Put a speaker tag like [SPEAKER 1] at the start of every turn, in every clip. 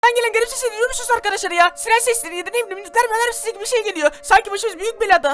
[SPEAKER 1] Ben gelen garip sesleri duyuyor musunuz arkadaşlar ya? Siren sesleri ya da ne bileyim nükleer mühendislik sesi gibi bir şey geliyor. Sanki başımız büyük belada.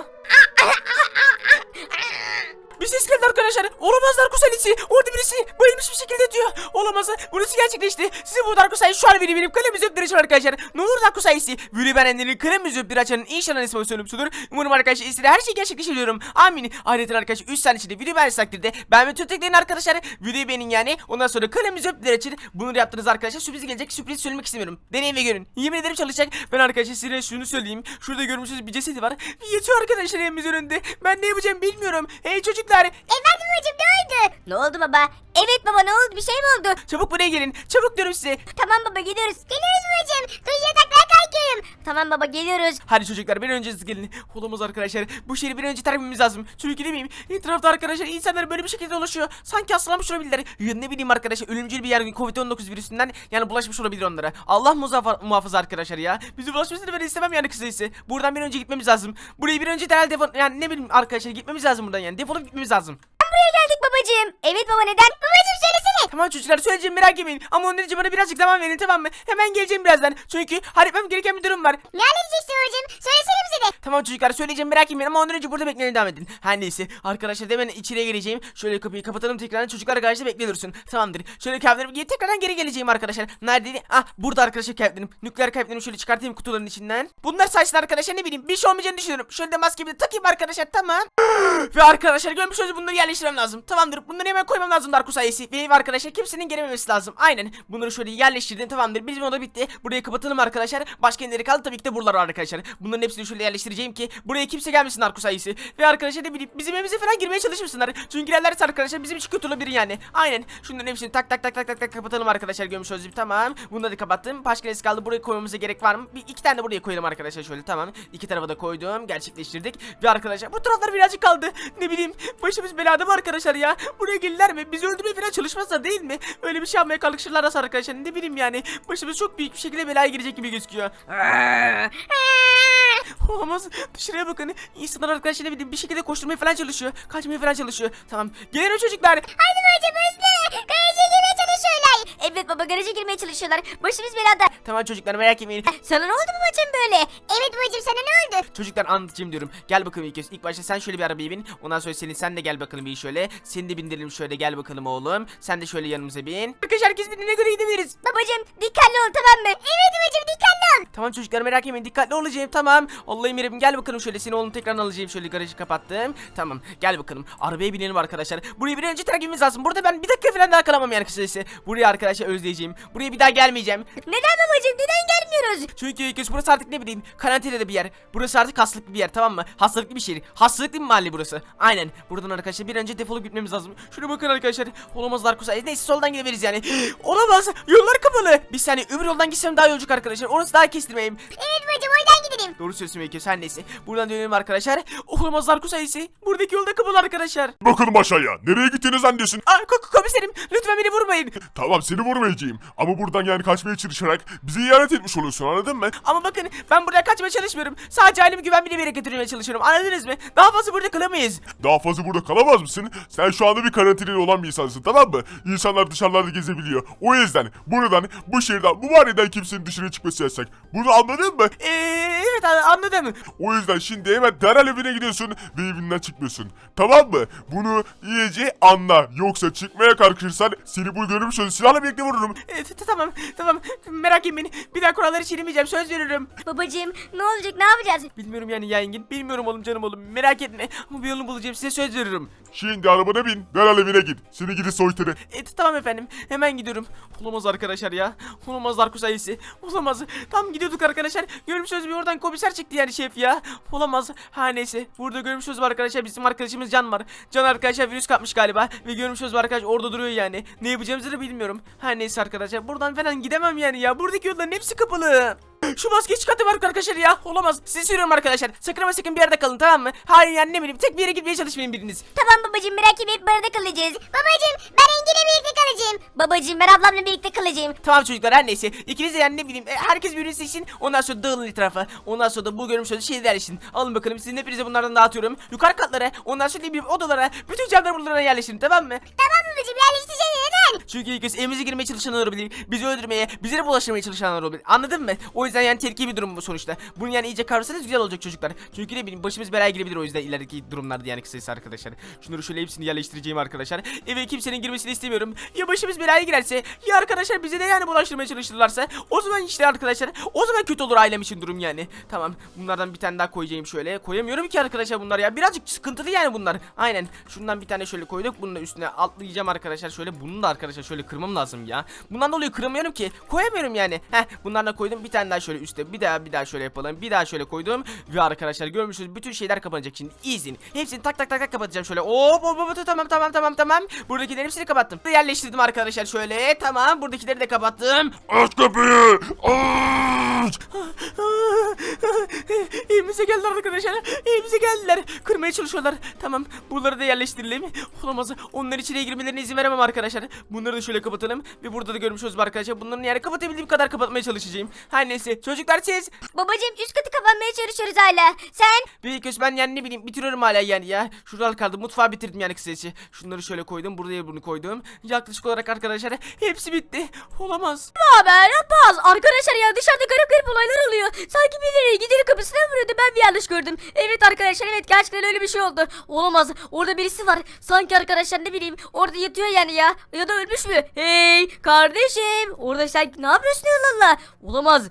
[SPEAKER 1] Bir ses geldi arkadaşlar. Olamaz Darkus Alice'i. Orada birisi bayılmış bir şekilde diyor. Olamaz. Burası gerçekleşti. Size bu Darkus Alice şu an benim kalemizi öptüğü açın arkadaşlar. Ne olur Darkus Alice'i. Vüri ben enlerin kalemizi öptüğü açanın inşallah ismi söylüyorumsudur. Umarım arkadaşlar istediği her şeyi gerçekleştiriyorum. Amin. Ayrıca arkadaşlar 3 saniye içinde video beğendiğiniz takdirde ben ve tüm teklerin arkadaşlar videoyu beğenin yani. Ondan sonra kalemizi öptüğü için bunu yaptınız arkadaşlar. Sürpriz gelecek. Sürpriz söylemek istemiyorum. Deneyin ve görün. Yemin ederim çalışacak. Ben arkadaşlar size şunu söyleyeyim. Şurada görmüşsünüz bir cesedi var. Yatıyor arkadaşlar evimizin önünde. Ben ne yapacağım bilmiyorum. Hey çocuklar.
[SPEAKER 2] Efendim babacım ne oldu? Ne oldu baba? Evet baba ne oldu? Bir şey mi oldu?
[SPEAKER 1] Çabuk buraya gelin. Çabuk diyorum size.
[SPEAKER 2] Tamam baba gidiyoruz. Geliyoruz babacım. Dur yataklara kalkıyorum. Tamam baba geliyoruz.
[SPEAKER 1] Hadi çocuklar bir an önce siz gelin. Olamaz arkadaşlar. Bu şehri bir an önce terk etmemiz lazım. Çünkü ne bileyim etrafta arkadaşlar insanlar böyle bir şekilde dolaşıyor. Sanki hastalanmış olabilirler. Ya ne bileyim arkadaşlar ölümcül bir yer Covid-19 virüsünden yani bulaşmış olabilir onlara. Allah muhafaza arkadaşlar ya. Bizi bulaşmasını ben istemem yani kısacası. Buradan bir an önce gitmemiz lazım. Burayı bir an önce derhal yani ne bileyim arkadaşlar gitmemiz lazım buradan yani. Defolup gitmemiz lazım.
[SPEAKER 2] Buraya geldik babacığım. Evet baba neden? Babacığım söylesene.
[SPEAKER 1] Tamam çocuklar söyleyeceğim merak etmeyin. Ama onun için bana birazcık zaman verin tamam mı? Hemen geleceğim birazdan. Çünkü halletmem gereken bir durum var.
[SPEAKER 2] Ne halledeceksin babacığım? Söylesene bize de.
[SPEAKER 1] Tamam çocuklar söyleyeceğim merak etmeyin ama ondan önce burada beklemeye devam edin. Her neyse arkadaşlar hemen içeriye geleceğim. Şöyle kapıyı kapatalım tekrardan çocuklar karşıda bekle dursun. Tamamdır. Şöyle kağıtlarımı giyip tekrardan geri geleceğim arkadaşlar. Neredeydi? Ah burada arkadaşlar kağıtlarım. Nükleer kağıtlarımı şöyle çıkartayım kutuların içinden. Bunlar sayesinde arkadaşlar ne bileyim bir şey olmayacağını düşünüyorum. Şöyle de maskemi de takayım arkadaşlar tamam. Ve arkadaşlar görmüş olduğunuz bunları yerleştirmem lazım. Tamamdır. Bunları hemen koymam lazım Darkus ailesi. Ve arkadaşlar kimsenin gelememesi lazım. Aynen. Bunları şöyle yerleştirdim tamamdır. Bizim oda bitti. Burayı kapatalım arkadaşlar. Başka yerleri kaldı tabii ki de buralar arkadaşlar. Bunların hepsini şöyle yerleştireceğim ki buraya kimse gelmesin Darkus ailesi. Ve arkadaşlar ne bileyim bizim evimize falan girmeye çalışmışsınlar. Çünkü girerlerse arkadaşlar bizim için kötü olabilir yani. Aynen. Şunların hepsini tak kapatalım arkadaşlar. Görmüş olduğunuz gibi tamam. Bunları da kapattım. Başka neresi kaldı? Buraya koymamıza gerek var mı? İki tane de buraya koyalım arkadaşlar şöyle tamam. İki tarafa da koydum. Gerçekleştirdik. Ve arkadaşlar bu taraflar birazcık kaldı. Ne bileyim başımız belada mı arkadaşlar ya? Buraya gelirler mi? Bizi öldürmeye falan çalışmazsa değil mi? Öyle bir şey yapmaya kalkışırlarsa arkadaşlar ne bileyim yani. Başımız çok büyük bir şekilde belaya girecek gibi gözüküyor. Olamaz. Dışarıya bakın. İnsanlar arkadaşlar ne bileyim bir şekilde koşturmaya falan çalışıyor. Kaçmaya falan çalışıyor. Tamam. Gelirim çocuklar.
[SPEAKER 2] Haydi babacığım hızlı. Garaja girmeye çalışıyorlar. Evet baba garaja girmeye çalışıyorlar. Başımız belada.
[SPEAKER 1] Tamam çocuklar merak etmeyin.
[SPEAKER 2] Sana ne oldu babacığım böyle? Evet babacığım sana ne oldu?
[SPEAKER 1] Çocuklar anlatacağım diyorum. Gel bakalım ilk başta sen şöyle bir arabaya bin. Ondan sonra sen de gel bakalım bir şöyle. Seni de bindirelim şöyle gel bakalım oğlum. Sen de şöyle yanımıza bin. Arkadaşlar herkes bindiğine göre gidebiliriz.
[SPEAKER 2] Babacığım dikkatli ol tamam mı? Evet babacığım dikkatli ol.
[SPEAKER 1] Tamam çocuklar merak etmeyin dikkatli olacağım tamam. Allah'ım yarabbim gel bakalım şöyle seni oğlum tekrar alacağım şöyle garajı kapattım. Tamam gel bakalım arabaya binelim arkadaşlar. Buraya bir önce terk etmemiz lazım. Burada ben bir dakika falan daha kalamam yani kısacası. Buraya arkadaşlar özleyeceğim. Buraya bir daha gelmeyeceğim.
[SPEAKER 2] Neden babacığım neden gelmiyoruz?
[SPEAKER 1] Çünkü burası artık ne bileyim karantinada bir yer. Burası artık hastalıklı bir yer tamam mı? Hastalıklı bir şehir. Hastalıklı bir mahalle burası. Aynen. Buradan arkadaşlar bir önce defolup gitmemiz lazım. Şuna bakın arkadaşlar. Olamaz Darkus ailesi. Neyse soldan gidebiliriz yani. Olamaz. Yollar kapalı. Bir saniye öbür yoldan gitsem daha yolculuk arkadaşlar. Orası daha kestirmeyeyim.
[SPEAKER 2] Evet babacığım oradan gidelim.
[SPEAKER 1] Doğru söylüyorsun belki her neyse. Buradan dönelim arkadaşlar. Olamaz Darkus ailesi. Buradaki yolda kapalı arkadaşlar.
[SPEAKER 3] Bakalım aşağıya. Nereye gittiğini zannediyorsun?
[SPEAKER 1] Aa, komiserim lütfen beni vurmayın.
[SPEAKER 3] Tamam seni vurmayacağım. Ama buradan yani kaçmaya çalışarak bizi ihanet etmiş oluyorsun anladın mı?
[SPEAKER 1] Ama bakın ben buradan kaçmaya çalışmıyorum. Sadece ailemi güvenli bir yere getirmeye çalışıyorum. Anladınız mı? Daha fazla burada kalamayız.
[SPEAKER 3] Daha fazla burada kalamaz mısın? Sen şu anda bir karantinada olan bir insansın tamam mı? İnsanlar dışarılarda gezebiliyor. O yüzden buradan, bu şehirden, bu mahalleden kimsenin dışarı çıkması yasak. Bunu anladın mı?
[SPEAKER 1] Evet anladım.
[SPEAKER 3] O yüzden şimdi hemen derhal evine gidiyorsun ve evinden çıkmıyorsun. Tamam mı? Bunu iyice anla. Yoksa çıkmaya kalkışırsan seni bu görmüş olduğun silahla birlikte vururum.
[SPEAKER 1] Tamam. Merak etmeyin. Bir daha kuralları çiğnemeyeceğim. Söz veriyorum.
[SPEAKER 2] Babacığım ne olacak ne yapacağız?
[SPEAKER 1] Bilmiyorum yani ya Engin. Bilmiyorum oğlum canım oğlum. Merak etme. Ama bir yolunu bulacağım. Size söz veriyorum.
[SPEAKER 3] Şimdi arabana bin. Derhal evine git. Seni gidi soytarı.
[SPEAKER 1] Tamam efendim. Hemen gidiyorum. Olamaz arkadaşlar ya. Olamaz Darkus ailesi. Olamaz. Tam gidiyorduk arkadaşlar. Görmüşsünüz bir oradan komiser çıktı yani şef ya. Olamaz. Her neyse. Burada görmüşsünüz arkadaşlar. Bizim arkadaşımız Can var. Can arkadaşlar virüs kapmış galiba. Ve görmüşsünüz arkadaş orada duruyor yani. Ne yapacağımızı da bilmiyorum. Her neyse arkadaşlar. Buradan falan gidemem yani ya. Buradaki yolların hepsi kapalı. Şu maskeyi çıkartım arkadaşlar ya. Olamaz. Sizi söylüyorum arkadaşlar. Sakın ama sakın bir yerde kalın tamam mı? Hayır yani ne bileyim. Tek bir yere gitmeye çalışmayın biriniz.
[SPEAKER 2] Tamam babacığım merak etme hep barada kalacağız. Babacığım ben Engin'le birlikte kalacağım. Babacığım ben ablamla birlikte kalacağım.
[SPEAKER 1] Tamam çocuklar her neyse. İkiniz de yani ne bileyim. Herkes birbirini seçsin. Ondan sonra dağılın etrafa. Ondan sonra da bu görmüş olduğunuz şeyler için. Alın bakalım sizin hepinize bunlardan dağıtıyorum. Yukarı katlara. Ondan sonra ne bileyim odalara. Bütün camları buralara yerleştirin tamam mı?
[SPEAKER 2] Tamam babacığım yerleştireceğiz. neden?
[SPEAKER 1] Çünkü ilk kez evimize girmeye çalışanlar olabilir. Bizi öldürmeye, bize de bulaştırmaya çalışanlar olabilir. Anladın mı? O yüzden yani tehlikeli bir durum bu sonuçta. Bunu yani iyice kavrarsanız güzel olacak çocuklar. Çünkü ne bileyim başımız belaya girebilir o yüzden ilerideki durumlarda yani kısacası arkadaşlar. Şunları şöyle hepsini yerleştireceğim arkadaşlar. Eve kimsenin girmesini istemiyorum. Ya başımız belaya girerse ya arkadaşlar bize de yani bulaştırmaya çalışırlarsa o zaman işte arkadaşlar o zaman kötü olur ailem için durum yani. Tamam bunlardan bir tane daha koyacağım şöyle. Koyamıyorum ki arkadaşlar bunlar ya. Birazcık sıkıntılı yani bunlar. Aynen. Şundan bir tane şöyle koyduk. Bunun da üstüne atlayacağım arkadaşlar. Şöyle bunu da arkadaşlar şöyle kırmam lazım ya. Bundan dolayı kıramıyorum ki. Koyamıyorum yani. Bunlardan koydum. Bir tane daha şöyle üstte. Bir daha şöyle yapalım. Bir daha şöyle koydum. Ve arkadaşlar görmüşsünüz bütün şeyler kapanacak şimdi. İzin. Hepsini tak tak tak tak kapatacağım şöyle. Tamam. Buradakilerin hepsini kapattım. Yerleştirdim arkadaşlar şöyle. Tamam. Buradakileri de kapattım.
[SPEAKER 3] Aç kapıyı. Aç.
[SPEAKER 1] Evimize geldiler arkadaşlar. Evimize geldiler. Kırmaya çalışıyorlar. Tamam. Bunları da yerleştirelim. Olamaz. Onların içine girmelerine izin veremem arkadaşlar. Bunları da şöyle kapatalım. Ve burada da görmüş oluruz arkadaşlar. Bunların yani kapatabildiğim kadar kapatmaya çalışacağım. Her neyse. Çocuklar siz.
[SPEAKER 2] Babacım üst katı kapanmaya çalışıyoruz hala. Sen?
[SPEAKER 1] Büyük köz ben yani ne bileyim bitiriyorum hala yani ya. Şuradan kaldı. Mutfağı bitirdim yani kısacası. Şunları şöyle koydum. Buraya bunu koydum. Yaklaşık olarak arkadaşlar hepsi bitti. Olamaz.
[SPEAKER 2] Haber yapmaz. Arkadaşlar ya dışarıda garip olaylar oluyor. Sanki birileri gider kapısına vuruyordu. Ben bir yanlış gördüm. Evet arkadaşlar evet gerçekten öyle bir şey oldu. Olamaz. Orada birisi var. Sanki arkadaşlar ne bileyim orada yatıyor yani ya. Ya da ölmüş mü? Hey kardeşim. Orada sen ne yapıyorsun Allah Allah? Olamaz.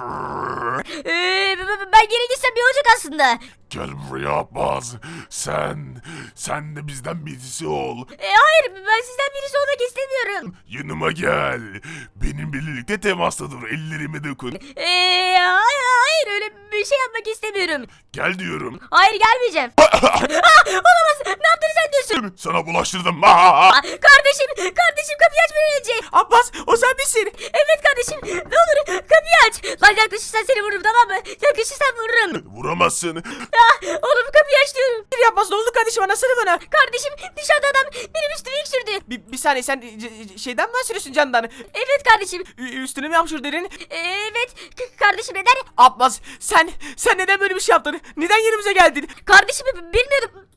[SPEAKER 2] Ben geri gitsem iyi olacak aslında.
[SPEAKER 3] Gel buraya Abbas. Sen de bizden birisi ol.
[SPEAKER 2] Hayır ben sizden birisi olmak istemiyorum.
[SPEAKER 3] Yanıma gel. Benim birlikte temasta dur. Ellerime dokun.
[SPEAKER 2] Hayır öyle bir şey yapmak istemiyorum.
[SPEAKER 3] Gel diyorum.
[SPEAKER 2] Hayır gelmeyeceğim. Olamaz. Ne yaptığını sen diyorsun?
[SPEAKER 3] Sana bulaştırdım.
[SPEAKER 2] Kardeşim kapıyı aç bir önce.
[SPEAKER 1] Abbas o sen misin?
[SPEAKER 2] Evet kardeşim ne olur kapıyı aç. Lan yaklaşırsan seni vururum tamam mı? Yaklaşırsan vururum.
[SPEAKER 3] Vuramazsın.
[SPEAKER 2] Oğlum kapıyı aç diyorum.
[SPEAKER 1] Bir Abbas ne oldu kardeşim anlatsana bana.
[SPEAKER 2] Kardeşim dışarıda adam benim üstüme iksürdü.
[SPEAKER 1] Bir saniye sen şeyden mi bahsediyorsun Candan?
[SPEAKER 2] Evet kardeşim.
[SPEAKER 1] Üstüne mi yapışır derin?
[SPEAKER 2] Evet kardeşim neden?
[SPEAKER 1] Abbas sen neden böyle bir şey yaptın? Neden yerimize geldin?
[SPEAKER 2] Kardeşim bilmiyordum.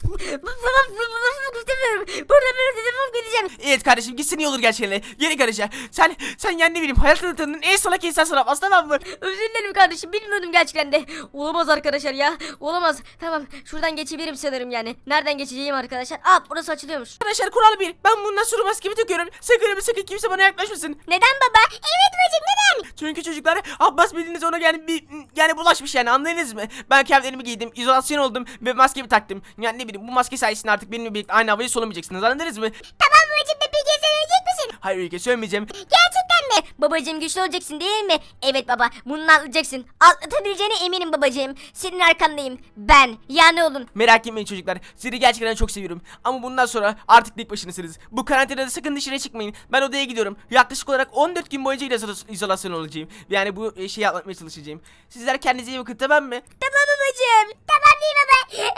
[SPEAKER 2] İstemiyorum. Burada böyle defolup gideceğim.
[SPEAKER 1] Evet kardeşim gitsin iyi olur gerçekten. Yeni kardeşim. Sen yani ne bileyim hayatını tanıdığın en salak insansın Abbas tamam mı?
[SPEAKER 2] Özür dilerim kardeşim bilmiyordum gerçekten de. Olamaz arkadaşlar ya. Olamaz. Tamam şuradan geçebilirim sanırım yani. Nereden geçeceğim arkadaşlar? Burası açılıyormuş.
[SPEAKER 1] Arkadaşlar kural 1. Ben bundan sonra maskemi takıyorum. Sakın kimse bana yaklaşmasın.
[SPEAKER 2] Neden baba? Evet bacım neden?
[SPEAKER 1] Çünkü çocuklar Abbas bildiğiniz ona yani bulaşmış yani anladınız mı? Ben kıyafetlerimi giydim, izolasyon oldum ve maskemi taktım. Yani ne bileyim bu maske sayesinde artık benimle birlikte aynı havayı solamayacaksınız anladınız mı?
[SPEAKER 2] Tamam bacım da peki sen ölecek misin?
[SPEAKER 1] Hayır Ülke söylemeyeceğim.
[SPEAKER 2] Gerçekten mi? Babacım güçlü olacaksın değil mi? Evet baba bunu atlayacaksın. Atlatabileceğine eminim babacım. Senin arkandayım. Ben. Yani oğlum.
[SPEAKER 1] Merak etmeyin çocuklar. Sizi gerçekten çok seviyorum. Ama bundan sonra artık tek başınasınız. Bu karantinada sakın dışarı çıkmayın. Ben odaya gidiyorum. Yaklaşık olarak 14 gün boyunca izolasyon olacağım. Yani bu şeyi atlatmaya çalışacağım. Sizler kendinize iyi bakın tamam mı?
[SPEAKER 2] Tamam babacım. Tamam değil baba.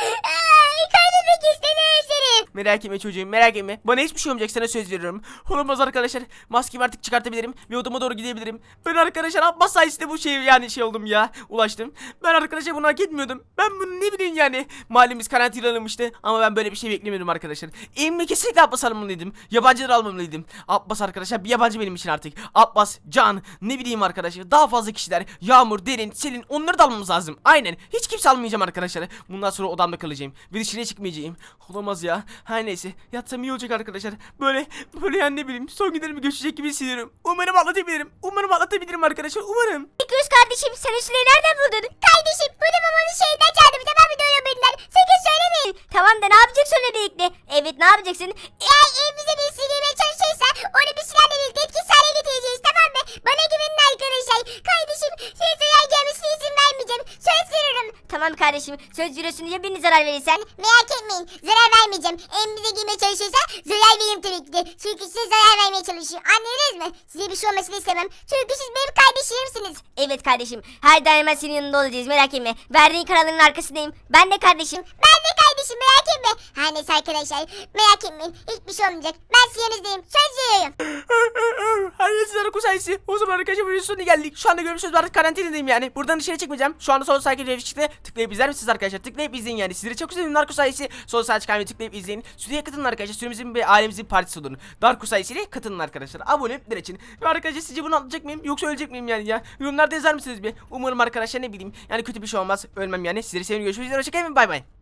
[SPEAKER 2] Kaybetmek istemiyorum seni.
[SPEAKER 1] Merak etme çocuğum merak etme. Bana hiçbir şey olmayacak sana söz veriyorum. Olamaz arkadaşlar. Maskemi artık çıkartabilirim ve odama doğru gidebilirim. Ben arkadaşlar Abbas sayesinde bu şey oldum ya. Ulaştım. Ben arkadaşlar bunu hak etmiyordum. Ben bunu ne bileyim yani. Mahallemiz karantinalamıştı ama ben böyle bir şey beklemiyordum arkadaşlar. Evime kesinlikle Abbas almalıydım. Yabancıları almamalıydım. Abbas arkadaşlar bir yabancı benim için artık. Abbas, Can, ne bileyim arkadaşlar. Daha fazla kişiler. Yağmur, Derin, Selin onları da almamız lazım. Aynen. Hiç kimse almayacağım arkadaşlar. Bundan sonra odamda kalacağım. Ve dışarıya çıkmayacağım. Olamaz ya. Her neyse. Yatsam iyi olacak arkadaşlar. Böyle yani ne bileyim. Son günlerimi göçecek gibi hissediyorum. Umarım atlatabilirim arkadaşlar. Umarım.
[SPEAKER 2] Göz kardeşim sen üstüne nereden buldun? Kardeşim bunu babanın şeyinden çaldım. Tamam mı böyle bildiler. Sakın söylemeyin. Tamam da ne yapacaksın öyle birlikte? Evet ne yapacaksın? Eğer evimize bir girmeye çalışırsa onu bir silahla birlikte etkisiz hale getireceğiz tamam mı? Bana güvenin arkadaşlar. Kardeşim size zarar gelmesine izin vermeyeceğim. Söz veriyorum. Tamam kardeşim söz veriyorsun ya birini zarar verirsen? Merak etmeyin zarar vermeyeceğim. Evimize girmeye çalışırsa zarar veririm tabii ki de. Çünkü size zarar vermeye çalışıyor. Anladınız mı? Size bir şey olmasını istemem. Çünkü siz benim kardeşlerimsiniz. Evet kardeşim. Her daim senin yanında olacağız merak etme. Verdiğin kararların arkasındayım. Ben de kardeşim. Ben de kardeşim. kardeşim merak etme. Her neyse arkadaşlar merak etmeyin. Hiçbir şey olmayacak. Ben sizin yanınızdayım. Söz veriyorum.
[SPEAKER 1] Hayır sizlere kusayisi. O zaman arkadaşlar videonun sonuna geldik. Şu anda görmüşsünüz artık karantinadayım yani. Buradan dışarı çıkmayacağım. Şu anda sol sağ video çıktı. Tıklayıp izler misiniz arkadaşlar? Tıklayıp izleyin yani. Sizleri çok seviyorum Darko sayesi. Sol sağ çıkan videoyu tıklayıp izleyin. Stüdyoya katılın arkadaşlar. Süremizin ve ailemizin partisi olun. Darko sayesiyle katılın arkadaşlar. Abone olun için. Ve arkadaşlar sizce bunu atlayacak mıyım? Yoksa ölecek miyim yani ya? Yorumlarda yazar mısınız bir? Umarım arkadaşlar ne bileyim. Yani kötü bir şey olmaz. Ölmem yani. Sizleri seviyorum. Görüşmek üzere. Hoşçakalın. Bay bay.